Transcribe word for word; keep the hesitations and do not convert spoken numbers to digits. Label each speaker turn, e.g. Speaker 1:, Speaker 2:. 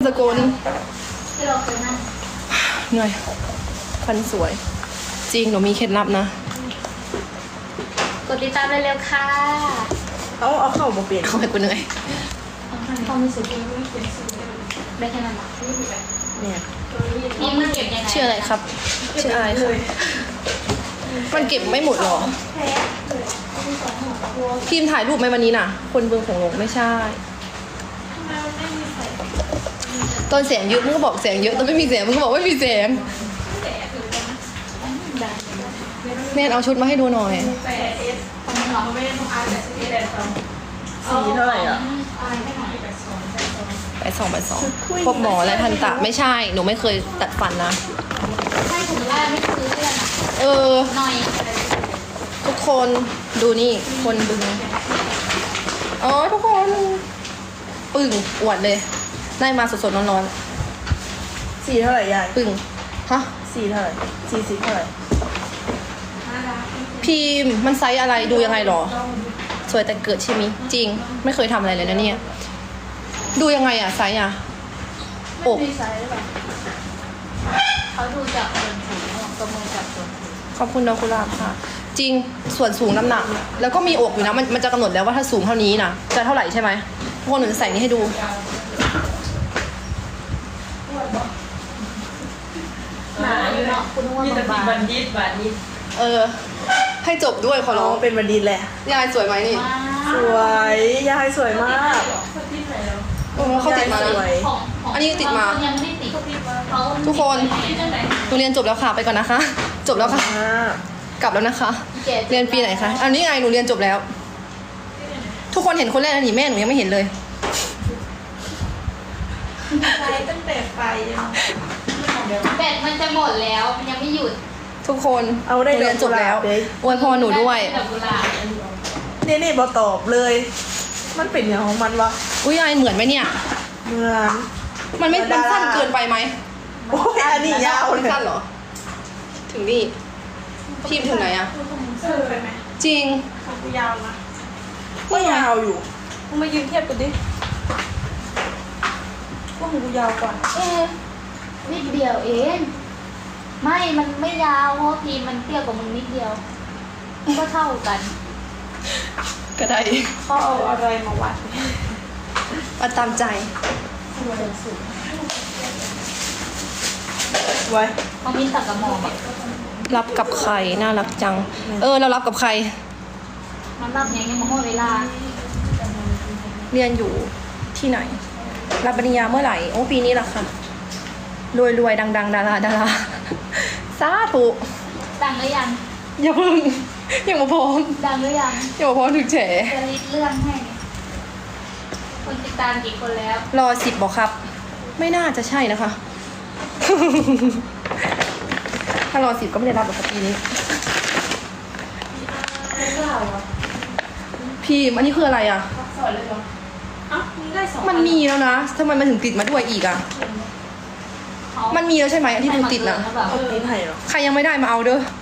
Speaker 1: สกุล
Speaker 2: ที่เราเคยนั่ง
Speaker 1: เหนื่อยฟันสวย จริงหนูมีเคล็ดลับนะ
Speaker 2: กดติดตามเร็วๆค่ะ
Speaker 3: เอาเอาเข้ามาเปลี่ยน
Speaker 1: เขาให้กูเหนื่อย
Speaker 2: ความรู้สึกได้แค่นั้นหรอ
Speaker 3: เนี่ย
Speaker 2: นี่มันเก็บยังไง
Speaker 1: ชื่ออะไรครับ ชื่ออะไรครับมันเก็บไม่หมดหรอพิมพ์ถ่ายรูปไหมวันนี้น่ะ คนเบืองของหลงไม่ใช่ตอนเสียงเยอะมึงก็บอกเสียงเยอะตอนไม่มีเสียงมึงก็บอกไม่มีเสียงแนนเอาชุดมาให้ดูหน่อย
Speaker 3: สีเท่าไหร่อ่ะ
Speaker 1: ไปสองไปสองพบหมอและทันตะไม่ใช่หนูไม่เคยตัดฟันนะ
Speaker 2: ใช่ถึงว่าไม่ซื้อเพื่อนอ่ะ
Speaker 1: เออ
Speaker 2: หน่อย
Speaker 1: ทุกคนดูนี่คนบึงอ๋อทุกคนปึ่งอวดเลย ได้มาสดๆร้อน
Speaker 3: สีเท่าไหร่ยาย
Speaker 1: ๆปึ่งฮะ
Speaker 3: สีเท่าไหร่สีสีเท่าไหร่
Speaker 1: พิมพ์มันไซส์อะไรดูยังไงหรอ สวยแต่เกิดใช่ไหมจริง ไม่เคยทำอะไรเลยนะเนี่ย ดูยังไงอะไซส์อะอก
Speaker 2: เขาดูจากส่วนสูงประเมินจากส่วนสูง
Speaker 1: ขอบคุณดอกกุหลาบค่ะ จริงส่วนสูงน้ำหนัก แล้วก็มีอกอยู่นะมันมันจะกำหนดแล้วว่าถ้าสูงเท่านี้นะจะเท่าไหร่ใช่ไหมทุกคนหนูจะใส่นี้ให้ดู
Speaker 2: หนาอยู่เนาะคุณว่า
Speaker 4: มีแต่
Speaker 2: บา
Speaker 4: ปี
Speaker 2: ง
Speaker 4: บันดิตบันดิต
Speaker 1: เออ ให้จบด้วยขอ
Speaker 3: น้
Speaker 1: ร้
Speaker 3: อ
Speaker 1: อง ง
Speaker 3: เป็นบัณฑิตแหละ
Speaker 1: ยายสวยไหมนี่
Speaker 3: สวยยายสวยมาก
Speaker 4: คนที่ไหนแล้ว
Speaker 1: โอ้เขาติดมา
Speaker 3: ส
Speaker 1: นะ
Speaker 3: วย
Speaker 2: ของของ
Speaker 1: อันนี้ติดมา
Speaker 2: บงคนยังไม่ได้ติดเขา
Speaker 1: ทุกคน
Speaker 4: ที่ไหน
Speaker 1: หนูเรียนจบแล้วค่ะไปก่อนนะคะ จบแล้วค่ะ
Speaker 3: มาก
Speaker 1: กลับแล้วนะคะ
Speaker 2: เจ็ด
Speaker 1: เรียนปีไหนคะอันนี้ไงหนูเรียนจบแล้ว ทุกคนเห็นคนแรกนะนี่แม่หนูยังไม่เห็นเลย
Speaker 4: ไปตั้งแต่ไปยัง
Speaker 2: แบตมันจะหมดแล้วมันยังไม่หยุด
Speaker 1: ทุกคน
Speaker 3: เอาได้
Speaker 1: หนูเรียนจบแล้ว
Speaker 3: ดอกกุหลาบเลย
Speaker 1: อวยพรหนูด้วย
Speaker 2: ดอกกุหลาบ
Speaker 3: นี่นี่บอตอบเลย มันเป็นอย่างของมันวะ
Speaker 1: อุ้ยยายเหมือนไหมเนี่ย
Speaker 3: เหมือน
Speaker 1: มันไม่
Speaker 3: เหมื
Speaker 1: มั
Speaker 3: อน
Speaker 1: น
Speaker 3: ดารา
Speaker 1: สั้นเกินไปไหม
Speaker 3: โอ้ยอันนี้ยาว
Speaker 1: มัน
Speaker 3: เลย
Speaker 1: สั้นเหรอ ถึงนี่พิมพ์ถึงไหนอะ
Speaker 4: เสื้อไปไหม
Speaker 1: จริง
Speaker 4: ของกูยาวนะ
Speaker 3: ก็ยาวอยู่
Speaker 4: มึงมายืนเทียบกันดิว่าของกูยาวกว่า
Speaker 2: เอ๊ะนิดเดียวเองไม่มันไม่ยาวเพราะพีมันเตี้ยกว่ามึงนิดเดียวก็เท่ากัน
Speaker 1: ก็ได้
Speaker 4: เขาเอาอะไรมาวัด
Speaker 1: มาตามใจ
Speaker 3: ไว้
Speaker 2: เขามินตักกระหม่อมอะ
Speaker 1: รับกับใครน่ารักจัง เออ เรารับกับใคร
Speaker 2: มันรับยังไงมาหมดเวลา
Speaker 1: เรียนอยู่ที่ไหน รับปริญญาเมื่อไหร่ โอ้ปีนี้แหละค่ะ รวยรวยดังดังดาราดาราสาธุ
Speaker 2: ดังหรือยัง
Speaker 1: อย่าเพิ่งยังมาพร้อม
Speaker 2: ดังหรือยัง
Speaker 1: ยังมาพร้อมถึงแฉ
Speaker 2: จะริดเรื่องให้คนติดตามกี่คนแล้ว
Speaker 1: รอสิบบอกครับ ไม่น่าจะใช่นะคะ ถ้ารอสิบก็ไม่ได้รับหรอกครับปีนี้
Speaker 4: ไม่กล้าเหรอ
Speaker 1: พี่อันนี้คืออะไรอ่ะ
Speaker 4: สอนเลยเหรออ้าวมึงได้สอง
Speaker 1: มันมีแล้วนะทำไมมันถึงติดมาด้วยอีกอ่ะ
Speaker 2: เขา
Speaker 1: มันมีแล้วใช่ไหมอันที่ดูติดนะ
Speaker 2: ให้มาเกินหรือเปล่า
Speaker 3: เอากินไห่เหรอ
Speaker 1: ใครยังไม่ได้มาเอาเด้อ